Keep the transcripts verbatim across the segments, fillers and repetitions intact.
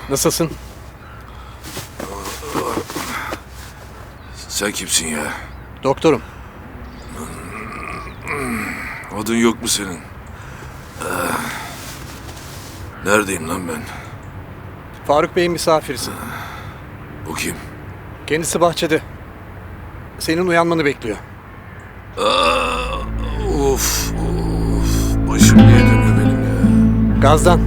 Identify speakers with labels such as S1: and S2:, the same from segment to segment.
S1: Nasılsın?
S2: Sen kimsin ya?
S1: Doktorum.
S2: Adın yok mu senin? Neredeyim lan ben?
S1: Faruk Bey'in misafirisin.
S2: Bu kim?
S1: Kendisi bahçede. Senin uyanmanı bekliyor.
S2: Aa, of of. Başım niye dönüyor benim ya?
S1: Gazdan.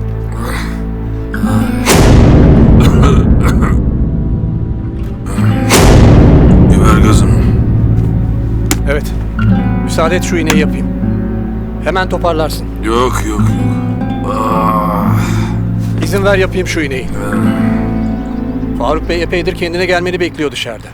S2: Biber gazı mı?
S1: Evet. Müsaade et şu iğneyi yapayım. Hemen toparlarsın.
S2: Yok yok yok. Aa,
S1: İzin ver yapayım şu iğneyi. Faruk Bey epeydir kendine gelmeni bekliyor dışarıda.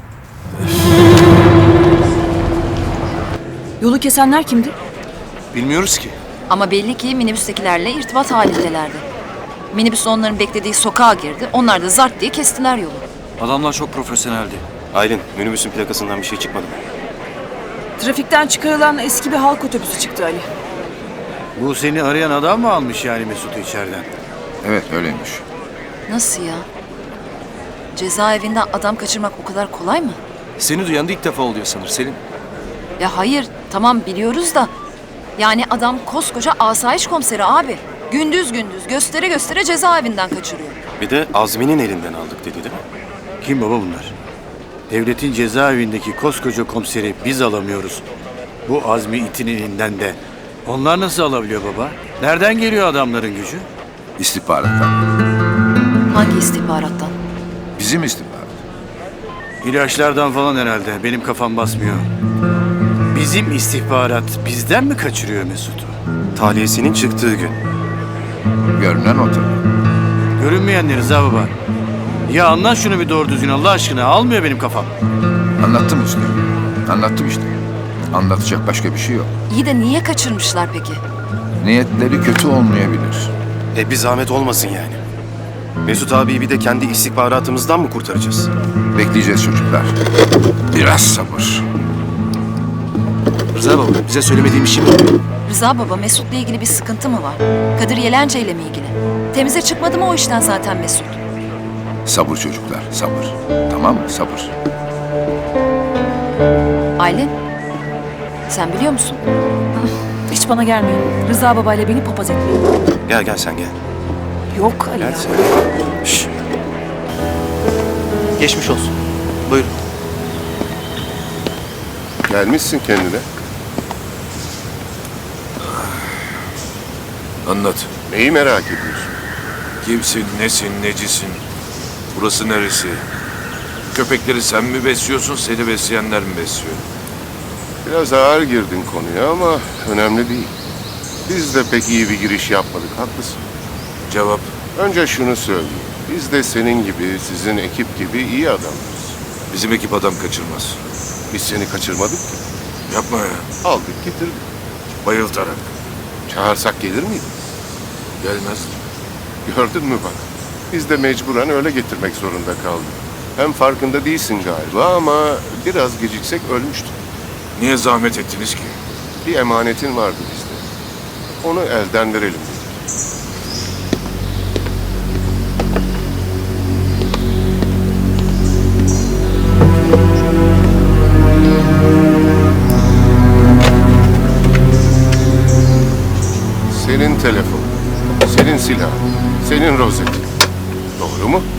S3: Yolu kesenler kimdi?
S4: Bilmiyoruz ki.
S3: Ama belli ki minibüstekilerle irtibat halindelerdi. Minibüs onların beklediği sokağa girdi. Onlar da zart diye kestiler yolu.
S4: Adamlar çok profesyoneldi.
S5: Aylin, minibüsün plakasından bir şey çıkmadı mı?
S6: Trafikten çıkarılan eski bir halk otobüsü çıktı Ali.
S7: Bu seni arayan adam mı almış yani Mesut'u içeriden?
S8: Evet öyleymiş.
S3: Nasıl ya? Cezaevinden adam kaçırmak o kadar kolay mı?
S4: Seni duyan da ilk defa oluyor sanır Selim.
S3: Ya hayır, tamam biliyoruz da. Yani adam koskoca asayiş komiseri abi. Gündüz gündüz göstere göstere cezaevinden kaçırıyor.
S5: Bir de Azmi'nin elinden aldık dedi değil mi?
S7: Kim baba bunlar? Devletin cezaevindeki koskoca komiseri biz alamıyoruz. Bu Azmi itin elinden de. Onlar nasıl alabiliyor baba? Nereden geliyor adamların gücü?
S8: İstihbarattan.
S3: Hangi istihbarattan?
S8: Bizim istihbarat.
S7: İlaçlardan falan herhalde. Benim kafam basmıyor. Bizim istihbarat bizden mi kaçırıyor Mesut'u?
S5: Tahliyesinin çıktığı gün.
S8: Görünen o tabii.
S7: Görünmeyen ne Rıza baba? Ya anlat şunu bir doğru düzgün Allah aşkına. Almıyor benim kafam.
S8: Anlattım işte. Anlattım işte. Anlatacak başka bir şey yok.
S3: İyi de niye kaçırmışlar peki?
S8: Niyetleri kötü olmayabilir.
S5: E bir zahmet olmasın yani. Mesut abiyi bir de kendi istihbaratımızdan mı kurtaracağız?
S8: Bekleyeceğiz çocuklar. Biraz sabır.
S4: Rıza baba bize söylemediğin bir şey mi?
S3: Rıza baba Mesut'la ilgili bir sıkıntı mı var? Kadir Yelence ile mi ilgili? Temize çıkmadı mı o işten zaten Mesut?
S8: Sabır çocuklar, sabır. Tamam mı? Sabır.
S3: Aylin, sen biliyor musun?
S6: Hiç bana gelmeyin. Rıza babayla beni papaz etmeyin.
S5: Gel gel sen gel.
S6: Yok Ali
S5: Gel
S6: ya.
S5: sen. Şşş.
S4: Geçmiş olsun. Buyurun.
S9: Gelmişsin kendine.
S2: Anlat.
S9: Neyi merak ediyorsun?
S2: Kimsin, nesin, necisin? Burası neresi? Köpekleri sen mi besliyorsun, seni besleyenler mi besliyor?
S9: Biraz ağır girdin konuya ama önemli değil. Biz de pek iyi bir giriş yapmadık, haklısın.
S2: Cevap.
S9: Önce şunu söyleyeyim. Biz de senin gibi, sizin ekip gibi iyi adamlarız.
S2: Bizim ekip adam kaçırmaz.
S9: Biz seni kaçırmadık ki.
S2: Yapma ya.
S9: Aldık getirdik.
S2: Bayıltarak.
S9: Çağırsak gelir miydin?
S2: Gelmez.
S9: Gördün mü bak. Biz de mecburen öyle getirmek zorunda kaldık. Hem farkında değilsin galiba ama biraz geciksek ölmüştük.
S2: Niye zahmet ettiniz ki?
S9: Bir emanetin vardı bizde. Onu elden verelim dedik. Senin telefon, senin silah, senin rozetin. Doğru mu?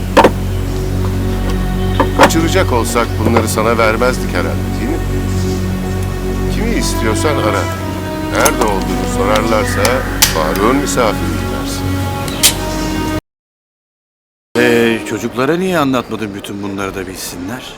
S9: Kaçıracak olsak bunları sana vermezdik herhalde, değil mi? Kimi istiyorsan ara. Nerede olduğunu sorarlarsa Faruk'un misafiri dersin.
S7: Ee, çocuklara niye anlatmadın bütün bunları da bilsinler?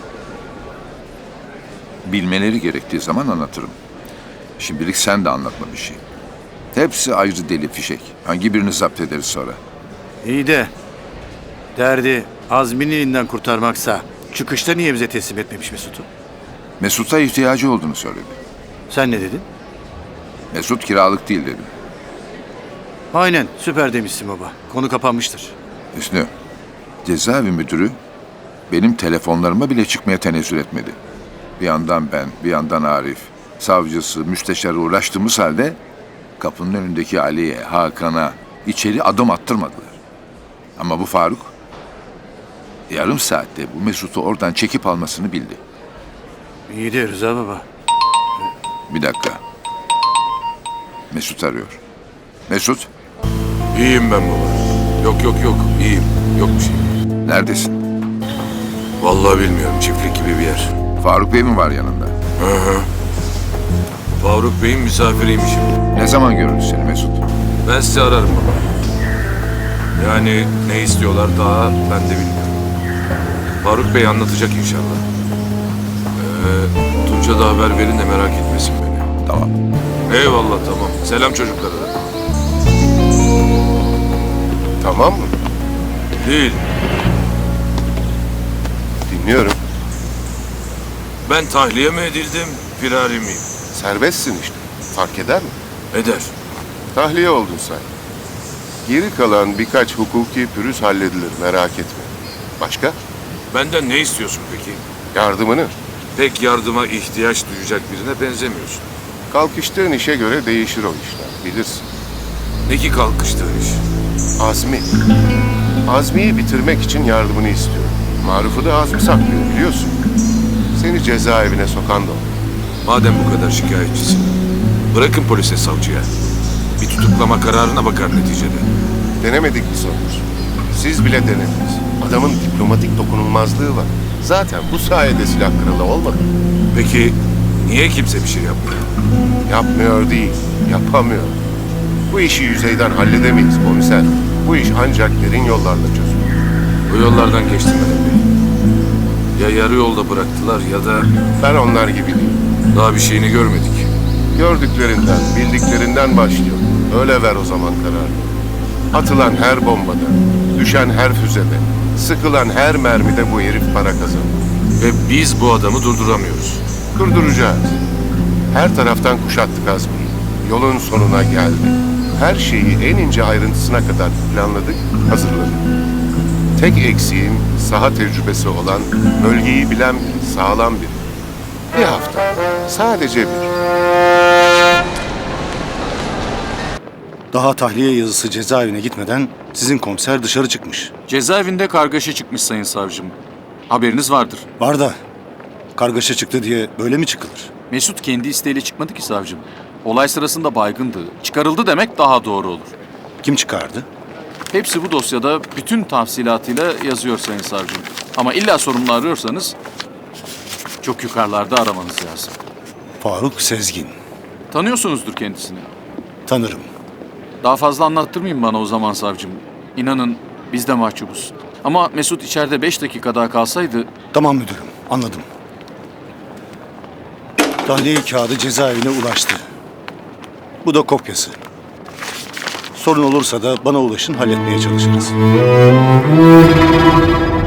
S8: Bilmeleri gerektiği zaman anlatırım. Şimdilik sen de anlatma bir şey. Hepsi ayrı deli fişek. Hangi birini zapt ederiz sonra?
S7: İyi de derdi Azmi'nin elinden kurtarmaksa çıkışta niye bize teslim etmemiş Mesut'u?
S8: Mesut'a ihtiyacı olduğunu söyledi.
S7: Sen ne dedin?
S8: Mesut kiralık değil dedim.
S7: Aynen süper demişsin baba. Konu kapanmıştır.
S8: Hüsnü, cezaevi müdürü benim telefonlarıma bile çıkmaya tenezzül etmedi. Bir yandan ben, bir yandan Arif, savcısı, müsteşarı uğraştığımız halde kapının önündeki Ali'ye, Hakan'a içeri adım attırmadılar. Ama bu Faruk yarım saatte bu Mesut'u oradan çekip almasını bildi.
S7: İyi de Rıza baba.
S8: Bir dakika. Mesut arıyor. Mesut,
S2: İyiyim ben baba. Yok yok yok iyiyim. Yok bir şey.
S8: neredesin?
S2: Vallahi bilmiyorum çiftlik gibi bir yer.
S8: Faruk Bey mi var yanında?
S2: Hı hı. Faruk Bey'in misafiriymişim.
S8: Ne zaman görürüz seni Mesut?
S2: Ben sizi ararım baba. Yani ne istiyorlar daha ben de bilmiyorum. Faruk Bey anlatacak inşallah. Ee, Tunç'a da haber verin de merak etmesin beni.
S8: Tamam.
S2: Eyvallah tamam. Selam çocuklara da.
S9: Tamam mı?
S2: Değil.
S9: Dinliyorum.
S2: Ben tahliye mi edildim, firari miyim?
S9: Serbestsin işte. Fark eder mi?
S2: Eder.
S9: Tahliye oldun sen. Geri kalan birkaç hukuki pürüz halledilir, merak etme. Başka?
S2: Benden ne istiyorsun peki?
S9: Yardımını.
S2: Pek yardıma ihtiyaç duyacak birine benzemiyorsun.
S9: Kalkıştığın işe göre değişir o işler, bilirsin.
S2: Ne ki kalkıştığın iş?
S9: Azmi. Azmi'yi bitirmek için yardımını istiyorum. Maruf'u da Azmi saklıyor, biliyorsun. Seni cezaevine sokan da o.
S2: Madem bu kadar şikayetçisin, bırakın polise, savcıya. Bir tutuklama kararına bakar neticede.
S9: Denemedik biz onu. Siz bile denediniz. Adamın diplomatik dokunulmazlığı var. Zaten bu sayede silah kralı olmadı.
S2: Peki niye kimse bir şey yapmıyor?
S9: Yapmıyor değil, yapamıyor. Bu işi yüzeyden halledemeyiz komiser. Bu iş ancak derin yollarla çözülür.
S2: O yollardan geçtim Mehmet Bey. Ya yarı yolda bıraktılar ya da
S9: Ben onlar gibi değilim.
S2: daha bir şeyini görmedik.
S9: Gördüklerinden, bildiklerinden başlıyor. Öyle ver o zaman kararı. Atılan her bombada, düşen her füzede, sıkılan her mermide bu herif para kazanır.
S2: Ve biz bu adamı durduramıyoruz.
S9: Durduracağız. Her taraftan kuşattık Azmi'yi. Yolun sonuna geldik. Her şeyi en ince ayrıntısına kadar planladık, hazırladık. Tek eksiğim saha tecrübesi olan, bölgeyi bilen biri, sağlam biri. Bir hafta, sadece bir.
S10: Daha tahliye yazısı cezaevine gitmeden sizin komiser dışarı çıkmış.
S4: Cezaevinde kargaşa çıkmış sayın savcım. Haberiniz vardır.
S10: Var da kargaşa çıktı diye böyle mi çıkılır?
S4: Mesut kendi isteğiyle çıkmadı ki savcım. Olay sırasında baygındı. Çıkarıldı demek daha doğru olur.
S10: Kim çıkardı?
S4: Hepsi bu dosyada bütün tafsilatıyla yazıyor sayın savcım. Ama illa sorumlu arıyorsanız çok yukarılarda aramanız lazım.
S10: Faruk Sezgin.
S4: Tanıyorsunuzdur kendisini.
S10: Tanırım.
S4: Daha fazla anlattırmayın bana o zaman savcım. İnanın biz de mahcubuz. Ama Mesut içeride beş dakika daha kalsaydı...
S10: Tamam müdürüm, anladım. Tahliye kağıdı cezaevine ulaştı. Bu da kopyası. Sorun olursa da bana ulaşın, halletmeye çalışırız.